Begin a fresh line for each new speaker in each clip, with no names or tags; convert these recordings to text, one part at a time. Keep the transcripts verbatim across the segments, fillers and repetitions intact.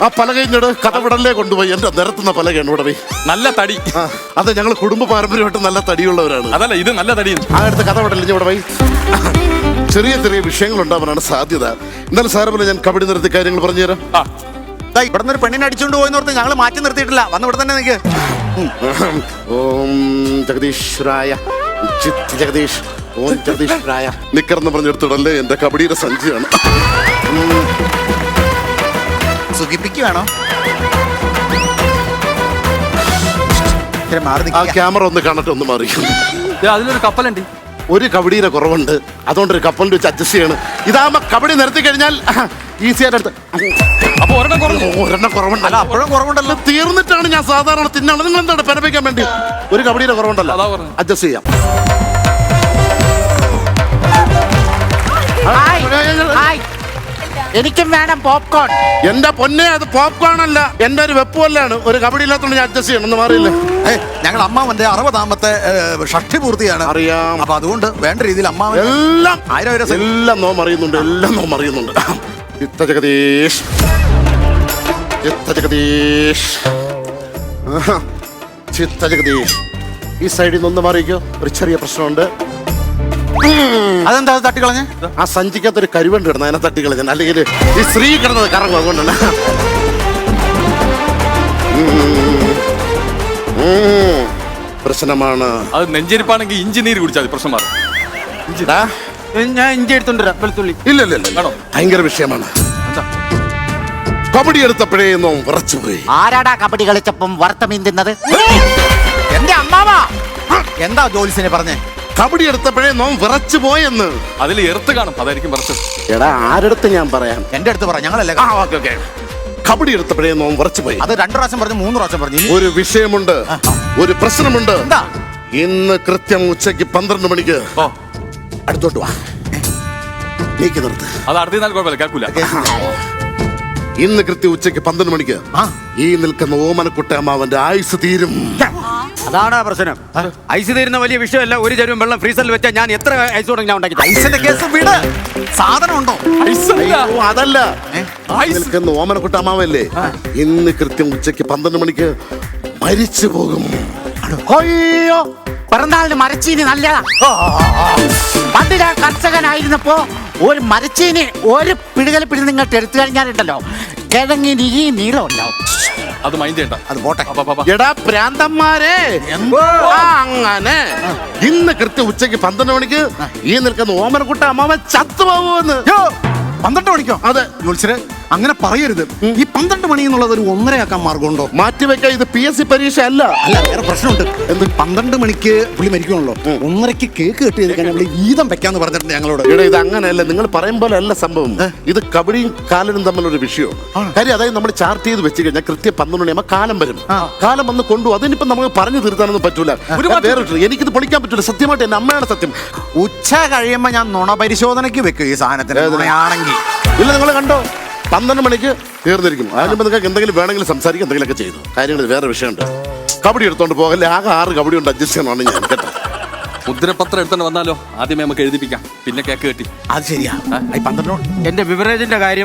ആ പലകയിഞ്ഞോട് കഥവിടലിലെ കൊണ്ടുപോയി എന്റെ നിരത്തുന്ന പലകയാണ് ഇവിടെ പോയി.
നല്ല തടി.
അതെ, ഞങ്ങൾ കുടുംബ പാരമ്പര്യമായിട്ട് നല്ല തടിയുള്ളവരാണ്.
അതല്ല, ഇത് നല്ല തടി.
ആ അടുത്ത് കഥവിടലിഞ്ഞ് ഇവിടെ പോയി. ചെറിയ ചെറിയ വിഷയങ്ങൾ ഉണ്ടാവാനാണ് സാധ്യത. എന്നാലും സാരമില്ല, ഞാൻ കബഡി നിർത്തി കാര്യങ്ങൾ പറഞ്ഞുതരാം.
ഇവിടെ നിന്ന് ഒരു പെണ്ണിനെ അടിച്ചുകൊണ്ട് പോയെന്നോർത്ത് ഞങ്ങൾ മാറ്റി നിർത്തിയിട്ടില്ല. വന്ന് ഇവിടെ തന്നെ നിൽക്ക്.
ഓം ജഗദീശ്വരായ ചിത്ത് ജഗദീഷ് ഓം ജഗദീശ്വരായ നിക്കറെന്ന് പറഞ്ഞെടുത്തിടല്ലേ എന്റെ കബഡിയുടെ സഞ്ചിയാണ്.
സുഖിപ്പിക്കുകയാണോ?
ആ ക്യാമറ ഒന്ന് കാണട്ടെ, ഒന്ന് മാറി.
അതിലൊരു കപ്പലുണ്ട്.
ഒരു കബഡിയുടെ കുറവുണ്ട്, അതുകൊണ്ട് ഒരു കപ്പലിന്റെ വെച്ച് അഡ്ജസ്റ്റ് ചെയ്യണം. ഇതാകുമ്പോ കബഡി നിർത്തി കഴിഞ്ഞാൽ ഈസി ആയിട്ട് എടുത്ത്.
അപ്പൊ ഒരെണ്ണം കുറഞ്ഞു.
ഒരെണ്ണം കുറവുണ്ടല്ലോ.
അപ്പോഴും കുറവുണ്ടല്ലോ.
തീർന്നിട്ടാണ് ഞാൻ സാധാരണ തിന്നാണ്. നിങ്ങൾ എന്താണ് പെരപ്പിക്കാൻ വേണ്ടി? ഒരു കബഡിയുടെ കുറവുണ്ടല്ലോ, അഡ്ജസ്റ്റ് ചെയ്യാം.
എനിക്കും വേണം പോപ്കോൺ.
എന്റെ പൊന്നെ, അത് പോപ്കോൺ അല്ല, എന്റെ ഒരു വെപ്പുമല്ലാണ്. ഒരു കബഡി ഇല്ലാത്തോണ്ട് ഞാൻ അഡ്ജസ്റ്റ് ചെയ്യണം. ഒന്ന് മാറിയില്ലേ?
ഞങ്ങൾ അമ്മാവന്റെ അറുപതാമത്തെ ഷഷ്ടി പൂർത്തിയാണ്.
അറിയാം.
അപ്പൊ അതുകൊണ്ട് വേണ്ട രീതിയിൽ അമ്മാവൻ
എല്ലാം
ആയിരം ആയിരം
എല്ലാം നോം അറിയുന്നുണ്ട്, എല്ലാം നോം അറിയുന്നുണ്ട്. ചിത്ത ജഗദീഷ് ചിത്ത ജഗദീഷ് ചിത്ത ജഗദീഷ് ഈ സൈഡിൽ നിന്ന് ഒന്ന് മാറിക്കോ. ഒരു ചെറിയ പ്രശ്നമുണ്ട്.
അതെന്താ തട്ടിക്കളഞ്ഞ്?
ആ സഞ്ചിക്കകത്ത് ഒരു കരുവണ്ട് കിടന്നു, അതിനെ തട്ടിക്കളഞ്ഞ. അല്ലെങ്കിൽ ഈ സ്ത്രീ കിടന്നത് കറങ്ങും, അതുകൊണ്ടാണ്. പ്രശ്നമാണ്.
അത് നെഞ്ചരിപ്പാണെങ്കിൽ ഇഞ്ചി നീര് കുടിച്ചാൽ പ്രശ്നം മാറും.
ഞാൻ ഇഞ്ചി എടുത്തോണ്ടിരാ വെളുത്തുള്ളി.
ഇല്ല ഇല്ല ഇല്ല, ഭയങ്കര വിഷയമാണ്. കബഡി എടുത്തപ്പോഴേ നോം വിറച്ചുപോയി.
ആരാടാ കബഡി കളിച്ചപ്പം വറുത്ത മീൻ തിന്നത്?
എന്റെ അമ്മാവാ. എന്താ ജോലിസിനെ പറഞ്ഞേ?
കബഡി എടുത്തപ്പോഴേ നോം വിറച്ചു പോയെന്ന്.
അതിൽ എർത്ത് കാണും, അതായിരിക്കും വിറച്ചത്.
എടാ, ആരടുത്ത് ഞാൻ പറയാം?
എന്റെ അടുത്ത് പറ, ഞങ്ങളല്ലേ.
ആ ഓക്കെ ഓക്കെ. കബഡി എടുത്തപ്പോഴേ നോം വിറച്ചു പോയി.
അത് രണ്ടു പ്രാവശ്യം പറഞ്ഞു, മൂന്ന് പ്രാവശ്യം പറഞ്ഞു.
ഒരു വിഷയമുണ്ട്, ഒരു പ്രശ്നമുണ്ട്.
എന്താ?
ഇന്ന് കൃത്യം ഉച്ചയ്ക്ക് പന്ത്രണ്ട് മണിക്ക്
ഓ,
അടുത്തോട്ട് വാ. നീക്കി നിർത്ത്.
അത് അടുത്തിരുന്നാൽ കുഴപ്പമില്ല, കേൾക്കൂല.
ഇന്ന് കൃത്യം ഉച്ചയ്ക്ക് പന്ത്രണ്ട് മണിക്ക് ഈ നിൽക്കുന്ന ഓമനക്കുട്ട അമ്മാവന്റെ ആയുസ് തീരും.
അതാണ് പ്രശ്നം. ഐസ് തീരുന്ന വലിയ വിഷയമല്ല. ഒരു ചെരുവും വെള്ളം ഫ്രീസറിൽ വെച്ചാൽ ഞാൻ എത്ര ഐസ് തുടങ്ങി ഞാൻ ഉണ്ടാക്കി.
ഐസിന്റെ കേസ് വിട്. സാധനം ഉണ്ടോ?
അയ്യോ, അതല്ല. നിൽക്കുന്ന ഓമനക്കുട്ട അമ്മാവല്ലേ, ഇന്ന് കൃത്യം ഉച്ചയ്ക്ക് പന്ത്രണ്ട് മണിക്ക് മരിച്ചു പോകും.
അയ്യോ, പിറന്നാളിന് മരച്ചീനി നല്ലതാ. പണ്ട് ഞാൻ കർഷകനായിരുന്നപ്പോ ഒരു മരച്ചീനി ഒരു പിടികൽ പിടി നിങ്ങൾക്ക് എടുത്തു കഴിഞ്ഞാലുണ്ടല്ലോ, കിഴങ്ങിന് ഈ നീളം ഉണ്ടാവും.
അത് മൈൻഡ് ചെയ്യണ്ട,
അത് പോട്ടെ.
എടാ പ്രാന്തന്മാരെ, അങ്ങനെ ഇന്ന് കൃത്യം ഉച്ചയ്ക്ക് പന്ത്രണ്ട് മണിക്ക് ഈ നിൽക്കുന്ന ഓമനക്കുട്ട അമ്മാവൻ ചത്തുപോകുമെന്ന്.
പന്ത്രണ്ട് മണിക്കോ?
അതെ.
ജോത്സ്യരെ അങ്ങനെ പറയരുത്. ഈ പന്ത്രണ്ട് മണി എന്നുള്ളത് ഒരു ഒന്നരയാക്കാൻ മാർഗമുണ്ടോ?
മാറ്റിവെക്കാൻ. ഇത് പി എസ് സി പരീക്ഷ അല്ല.
അല്ല, വേറെ പ്രശ്നമുണ്ട്. എന്ത് പന്ത്രണ്ട് മണിക്ക് പുള്ളി മരിക്കണല്ലോ, ഒന്നരക്ക് കേക്ക് കെട്ടി ചെയ്ത് കഴിഞ്ഞാൽ വീതം വെക്കാന്ന് പറഞ്ഞിട്ടുണ്ട് ഞങ്ങളോട്.
ഇവിടെ ഇത് അങ്ങനെയല്ല, നിങ്ങൾ പറയും പോലെ അല്ല സംഭവം. ഇത് കബഡിയും കാലനും തമ്മിലൊരു വിഷയമാണ്. കാര്യം അതായത് നമ്മൾ ചാർട്ട് ചെയ്ത് വെച്ച് കഴിഞ്ഞാൽ കൃത്യം പന്ത്രണ്ട് മണിയാകുമ്പോൾ കാലം വരും. കാലം വന്ന് കൊണ്ടുപോകും. അതിനിപ്പം നമുക്ക് പറഞ്ഞു തീർത്താനൊന്നും പറ്റൂല. വേറെ എനിക്കിത് പൊളിക്കാൻ പറ്റൂല. സത്യമായിട്ട് എന്റെ അമ്മയാണ് സത്യം.
ഉച്ച കഴിയുമ്പോ ഞാൻ നുണ പരിശോധനയ്ക്ക് വെക്കും ഈ സാധനത്തിന് ആണെങ്കിൽ.
ഇല്ല, നിങ്ങൾ കണ്ടോ, പന്ത്രണ്ട് മണിക്ക് തീർന്നിരിക്കും. അതിനുമ്പോൾ നിങ്ങൾക്ക് എന്തെങ്കിലും വേണമെങ്കിലും സംസാരിക്കും, എന്തെങ്കിലുമൊക്കെ ചെയ്തു കാര്യങ്ങൾ. വേറെ വിഷയമുണ്ട്. കബഡി എടുത്തോണ്ട് പോകല്ലേ, ആകെ ആറ് കബഡി ഉണ്ട്, അഡ്ജസ്റ്റ് ചെയ്യണമെന്ന് ഞാൻ കേട്ടോ.
മുദ്രപത്രം എടുത്തോണ്ട് വന്നാലോ? ആദ്യമേ നമുക്ക് എഴുതിപ്പിക്കാം, പിന്നെ കേക്ക് കെട്ടി.
അത് ശരിയാ. പന്ത്രണ്ട്
എന്റെ ബിവറേജിന്റെ കാര്യം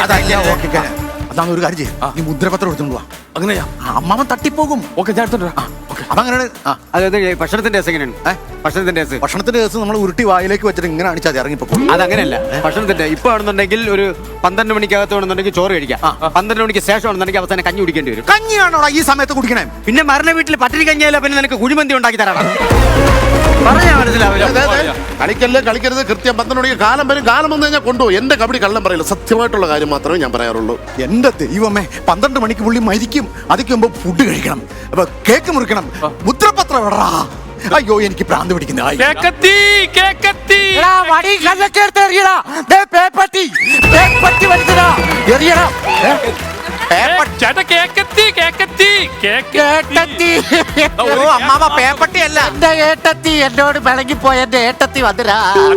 അതാണ് ഒരു കാര്യം ചെയ്യും. ഈ മുദ്രപത്രം എടുത്തോണ്ട് പോവാ.
അങ്ങനെയാ?
അമ്മാവൻ തട്ടിപ്പോകും.
ഓക്കെ, ഞാൻ എടുത്തോണ്ട് വരാം.
അതങ്ങനെ.
അതായത് ഭക്ഷണത്തിന്റെ കേസ് എങ്ങനെയാണ്? ഭക്ഷണത്തിന്റെ കേസ്
ഭക്ഷണത്തിന്റെ കേസ് നമ്മൾ ഉരുട്ടി വായിലേക്ക് വെച്ചിട്ട് ഇങ്ങനെ അണിച്ചാൽ ഇറങ്ങിപ്പോകും.
അതങ്ങനെയല്ല. ഭക്ഷണത്തിന്റെ ഇപ്പൊ ആണെന്നുണ്ടെങ്കിൽ ഒരു പന്ത്രണ്ട് മണിക്കകത്ത് വേണമെന്നുണ്ടെങ്കിൽ ചോറ് കഴിക്കാം. പന്ത്രണ്ട് മണിക്ക് ശേഷം ആണെന്നുണ്ടെങ്കിൽ അവസാനം കഞ്ഞി കുടിക്കേണ്ടി വരും.
കഞ്ഞിയാണോ ഈ സമയത്ത് കുടിക്കണേ?
പിന്നെ മരണ വീട്ടിൽ പട്ടിണി കഞ്ഞിയല്ല, പിന്നെ നിനക്ക് കുഴിമന്തി ഉണ്ടാക്കി തരണം. പറഞ്ഞാ മനസ്സിലാവില്ല.
കളിക്കല്ലേ, കളിക്കരുത്. കൃത്യം പന്ത്രണ്ട് മണിക്ക് കാലം വരും. കാലം വന്നു കഴിഞ്ഞാൽ കൊണ്ടുപോകും. എന്റെ കബഡി കള്ളം പറയില്ല, സത്യമായിട്ടുള്ള കാര്യം മാത്രമേ ഞാൻ പറയാറുള്ളൂ.
എന്റെ ദൈവമേ, പന്ത്രണ്ട് മണിക്ക് പുള്ളി മരിക്കും. അതിക്ക് മുമ്പ് ഫുഡ് കഴിക്കണം, അപ്പൊ കേക്ക് മുറിക്കണം, മുദ്രപത്രം ഇടറാ. അയ്യോ, എനിക്ക് ഭ്രാന്ത് പിടിക്കുന്ന. അമ്മാവ പേപ്പട്ടി അല്ല,
എന്റെ ഏട്ടത്തി എന്നോട് വിളങ്ങിപ്പോയ എന്റെ ഏട്ടത്തി വന്നിരാ.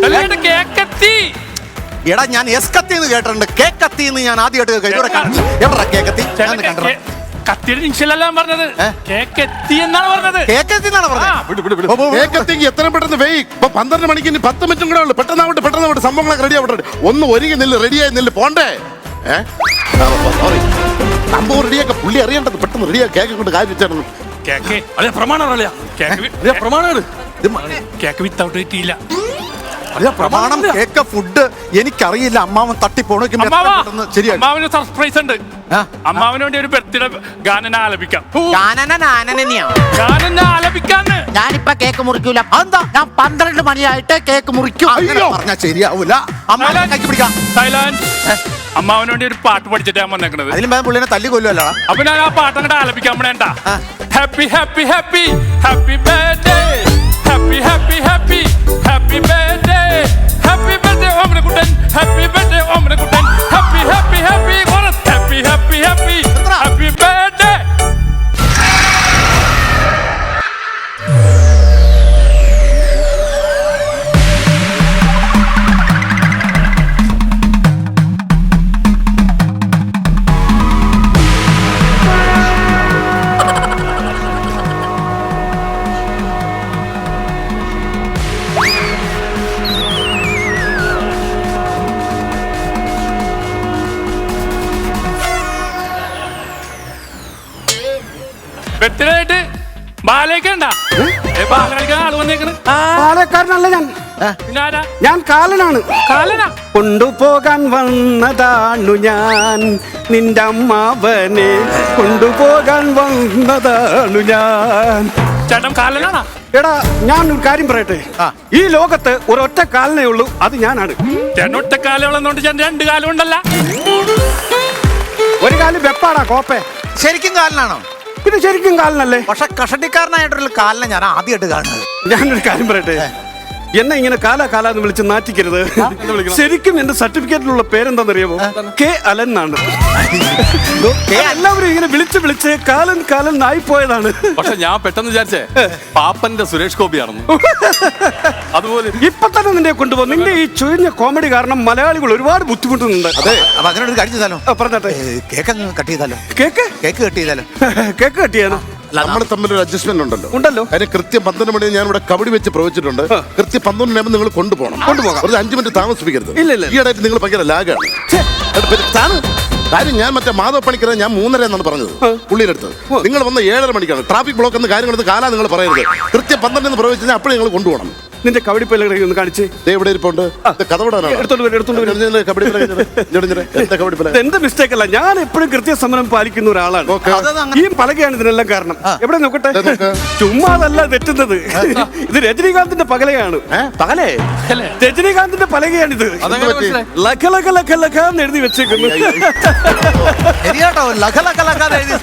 എടാ, ഞാൻ എസ് കത്തി എന്ന് കേട്ടിട്ടുണ്ട്. കേക്കത്തി എന്ന് ഞാൻ ആദ്യമായിട്ട് കഴിഞ്ഞ എവിടെ കേക്കത്തി
കത്തിയുടെ നിമിഷമല്ല പറഞ്ഞത്, കേക്കെത്തി എന്നാണ് പറഞ്ഞത്.
കേക്കെത്തി എന്നാണ് പറഞ്ഞത്.
എത്ര പെട്ടെന്ന് വെയ്. ഇപ്പൊ പന്ത്രണ്ട് മണിക്ക് ഇനി പത്ത് മിനിറ്റും കൂടെ ഉള്ളു. പെട്ടെന്നാവട്ടെ, പെട്ടെന്നാവട്ടെ, സംഭവങ്ങളൊക്കെ റെഡി ആവട്ടെ. ഒന്ന് ഒരുങ്ങി നില്ല്, റെഡിയായി നില്ല്, പോണ്ടേ? ഏഹ് സോറി സംഭവം റെഡിയാക്ക പുള്ളി അറിയേണ്ടത് പെട്ടെന്ന് റെഡിയാക്കി കേക്ക് കൊണ്ട് കാര്യം വെച്ചാണ്.
കേക്ക്
അളിയ പ്രമാണം അളിയ
കേക്ക് വി-
അളിയ പ്രമാണമാണ്
കേക്ക് വിത്തൗട്ട് കിട്ടിയില്ല.
അല്ല പ്രമാണം കേക്ക് ഫുഡ് എനിക്കറിയില്ല. അമ്മാവൻ തട്ടിപ്പോണോ
അമ്മാവാ
ശരിയാണ്.
അമ്മാവിന് സർപ്രൈസ് ഉണ്ട്.
ആ?
അമ്മാവിന് വേണ്ടി ഒരു ബർത്ത്ഡേ ഗാനം ആലപിക്കാം.
ഞാനെന്നെയാ
ഗാനം ആലപിക്കാന്ന്.
ഞാനിപ്പ കേക്ക് മുറിക്കൂല. അതെന്താ? ഞാൻ പന്ത്രണ്ട് മണിയായിട്ട് കേക്ക് മുറിക്കും.
അങ്ങനെ പറഞ്ഞാൽ ശരിയാവൂല. അമ്മാവനെ കൈക്ക് പിടിക്കാം.
സൈലൻസ്. അമ്മാവിന് വേണ്ടി ഒരു പാട്ട് പഠിച്ചിട്ട് ഞാൻ വന്നേക്കണത്.
അതിലും ഭേദം പുള്ളിനെ തല്ലി കൊല്ലുമല്ലോ.
അപ്പൊ ഞാൻ ആ പാട്ട് അങ്ങോട്ട് ആലപിക്കാൻ വേണ്ട. Happy happy happy happy birthday happy happy happy happy birthday happy birthday Omanakuttan happy birthday Omanakuttan happy happy happy happy happy happy happy birthday. Birthday ആയിട്ട് ബാലേക്കണ്ട ബാല കളിക്കാൻ ആള് വന്നേക്കണ്.
പാലക്കാരനല്ല ഞാൻ,
പിന്നെ ആരാ?
ഞാൻ കാലനാണ്.
കാലനാ.
കൊണ്ടുപോകാൻ വന്നതാണു ഞാൻ, നിന്റെ അമ്മാവനെ കൊണ്ടുപോകാൻ വന്നതാണു ഞാൻ.
ചേട്ടൻ കാലനാണാ?
എടാ ഞാൻ ഒരു കാര്യം പറയട്ടെ, ഈ ലോകത്ത് ഒരൊറ്റ കാലനേ ഉള്ളൂ, അത് ഞാനാണ്.
ചേട്ടൻ ഒറ്റ കാലം ഉള്ളതുകൊണ്ട് ചേട്ടൻ രണ്ട് കാലം ഉണ്ടല്ല.
ഒരു കാലം വെപ്പാടാ കോപ്പെ.
ശരിക്കും കാലനാണോ?
പിന്നെ ശരിക്കും കാലനല്ലേ?
പക്ഷെ കഷട്ടിക്കാരനായിട്ടുള്ള കാലിനെ ഞാൻ ആദ്യമായിട്ട് കാണുന്നത്.
ഞാനൊരു കാര്യം പറയട്ടെ, എന്നെ ഇങ്ങനെ കാല കാലാന്ന് വിളിച്ച് നാറ്റിക്കരുത്. ശരിക്കും എന്റെ സർട്ടിഫിക്കറ്റിലുള്ള പേരെന്താണെന്നറിയാമോ? കെ അലൻ എന്നാണ്. എല്ലാവരും ഇങ്ങനെ വിളിച്ച് വിളിച്ച് കാലൻ കാലൻ ആയിപ്പോയതാണ്.
പക്ഷെ ഞാൻ പെട്ടെന്ന് വിചാരിച്ചേ പാപ്പന്റെ സുരേഷ് ഗോപിയാണെന്ന്. അതുപോലെ
ഇപ്പൊ തന്നെ നിന്നെ കൊണ്ടുപോകും. നിന്റെ ഈ ചുഴിഞ്ഞ കോമഡി കാരണം മലയാളികൾ ഒരുപാട് ബുദ്ധിമുട്ടുന്നുണ്ട്.
അതെ, അപ്പൊ അങ്ങനെ ഒരു കാര്യം ചെയ്താലോ?
ആ, പറഞ്ഞാട്ടെ.
കേക്ക് അങ്ങ് കട്ട് ചെയ്താലോ?
കേക്ക്
കേക്ക് കട്ട് ചെയ്താലോ?
കേക്ക് കട്ടിയാനോ?
നമ്മൾ തമ്മിലൊരു അഡ്ജസ്റ്റ്മെന്റ് ഉണ്ടല്ലോ.
ഉണ്ടല്ലോ.
അതിന് കൃത്യം പന്ത്രണ്ട് മണി ഞാൻ ഇവിടെ കബഡി വെച്ച് പ്രവചിച്ചിട്ടുണ്ട്. കൃത്യം പന്ത്രണ്ട് മണി നിങ്ങൾ കൊണ്ടുപോകണം. കൊണ്ടുപോകാം. ഒരു അഞ്ചു മിനിറ്റ് താമസിപ്പിക്കരുത്.
ഇല്ല, ഇല്ല.
ഈയിടെയായിട്ട് നിങ്ങൾ ഭയങ്കര ലാഗാണ്. കാര്യം ഞാൻ മറ്റേ മാധവ പണിക്കരെ ഞാൻ മൂന്നര എന്നാണ് പറഞ്ഞത് പുള്ളിയുടെ അടുത്ത്. നിങ്ങൾ വന്ന ഏഴര മണിക്കാണ്. ട്രാഫിക് ബ്ലോക്ക് എന്ന കാര്യം എടുത്ത് കാലാ നിങ്ങൾ പറയരുത്. കൃത്യം പന്ത്രണ്ട് എന്ന് പ്രവചിച്ചാൽ അപ്പോഴും നിങ്ങൾ കൊണ്ടുപോകണം.
നിന്റെ കബഡി പല്ലകളെ ഒന്ന് കാണിച്ച്.
ദേ ഇവിടെ ഇരിപ്പുണ്ട്. കഥവിടാനാണ്.
എടുത്തോണ്ട് വരും, എടുത്തോണ്ട് വരും.
കബഡി പല കബഡി പല
ഇത് എന്റെ മിസ്റ്റേക്ക് അല്ല, ഞാൻ എപ്പോഴും കൃത്യസമരം പാലിക്കുന്ന ഒരാളാണ്.
ഓക്കെ.
ഈ പലകയാണ് ഇതിനെല്ലാം കാരണം. എവിടെ നോക്കട്ടെ,
ദേ നോക്ക്.
ചുമ്മാതല്ല തെറ്റുന്നത്. ഇത് രജനീകാന്തിന്റെ പകലയാണ്. പകലേ രജനീകാന്തിന്റെ പലകയാണിത്.
അതെങ്ങനെ മനസ്സിലായി?
ലഖ ലഖ ലഖ ലഖ എന്ന് എഴുതി വെച്ചേക്കുന്നു.
ശരിയാട്ടോ, ലഖ ലഖ ലഖ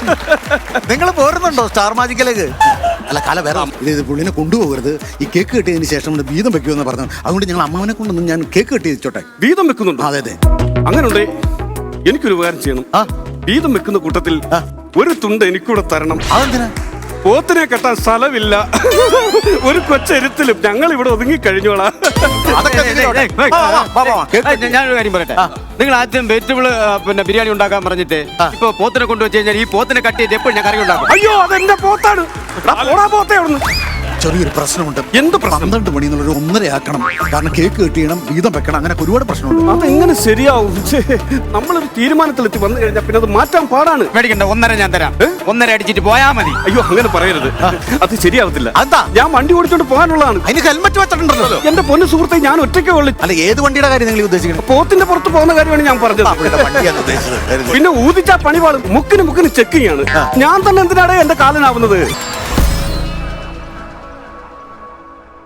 നിങ്ങൾ പോരുന്നുണ്ടോ സ്റ്റാർ മാജിക്കിലേക്ക്? അല്ല കാല വേറെ ഇത് പുള്ളിനെ കൊണ്ടുപോകരുത്. ഈ കേക്ക് കെട്ടിയതിന് ശേഷം വീതം വെക്കുമെന്ന് പറഞ്ഞു. അതുകൊണ്ട് ഞങ്ങൾ അമ്മാവനെ കൊണ്ടൊന്നും ഞാൻ കേക്ക് കെട്ടി വെച്ചോട്ടെ.
വീതം വെക്കുന്നുണ്ടോ?
അതെ അതെ.
അങ്ങനുണ്ടേ, എനിക്കൊരു ഉപകാരം ചെയ്യണം.
ആ.
വീതം വെക്കുന്ന കൂട്ടത്തിൽ ഒരു തുണ്ട് എനിക്കൂടെ തരണം.
അതെന്തിനാ?
പോത്തിനെ കെട്ടാൻ സ്ഥലമില്ല. ഒരു കൊച്ചെരുത്തിലും ഞങ്ങൾ ഇവിടെ ഒതുങ്ങി കഴിഞ്ഞോളാം.
അതൊക്കെ എന്തിനോടെ? വാ, വാ, വാ, വാ, വാ. കേക്ക് കെട്ടി.
ഞാനൊരു കാര്യം പറയട്ടെ, നിങ്ങൾ ആദ്യം വെജിറ്റബിൾ പിന്നെ ബിരിയാണി ഉണ്ടാക്കാൻ പറഞ്ഞിട്ട് ഇപ്പൊ പോത്തിനെ കൊണ്ടുവച്ച് കഴിഞ്ഞാൽ ഈ പോത്തിനെ കട്ട് ചെയ്ത് എപ്പോഴും ഞാൻ കറി ഉണ്ടാക്കും.
അയ്യോ അതെന്റെ പോത്താണ്. എടാ, പോടാ പോത്തേ അവിടുന്ന്.
ചെറിയൊരു പ്രശ്നമുണ്ട്.
എന്ത് പ്രശ്നം?
പന്ത്രണ്ട് മണി എന്നുള്ളൊരു ഒന്നര ആക്കണം. കാരണം കേക്ക് കെട്ടിയണം, വീതം വെക്കണം, അങ്ങനെ ഒരുപാട് പ്രശ്നമുണ്ട്.
അതെങ്ങനെ ശരിയാവും? ഛേ, നമ്മളൊരു തീരുമാനത്തിലെത്തി വന്നു കഴിഞ്ഞാൽ പിന്നെ അത് മാറ്റാൻ പാടാണ്.
മേടിക്കണ്ട, ഒന്നര ഞാൻ തരാം. ഒന്നര അടിച്ചിട്ട് പോയാ മതി.
അയ്യോ അങ്ങനെ പറയരുത്, അത് ശരിയാവത്തില്ല.
അതെന്താ?
ഞാൻ വണ്ടി ഓടിച്ചോണ്ട് പോകാനുള്ളതാണ്.
അതിന് ഹെൽമെറ്റ് വെച്ചിട്ടുണ്ടല്ലോ.
എന്റെ പൊന്നു സുഹൃത്തെ, ഞാൻ ഒറ്റയ്ക്കേ ഉള്ളു.
അല്ല ഏത് വണ്ടിയുടെ കാര്യം നിങ്ങൾ ഉദ്ദേശിക്കുന്നത്?
പോത്തിന്റെ പുറത്ത് പോകുന്ന കാര്യമാണ് ഞാൻ പറഞ്ഞത്.
വണ്ടിയാണ് ഉദ്ദേശിച്ചത്.
പിന്നെ ഊതിച്ചാ പണിപാളും. മുക്കിന് മുക്കിന് ചെക്കിങ് ആണ്. ഞാൻ തന്നെ എന്തിനാണ് എന്റെ കാലനാവുന്നത്?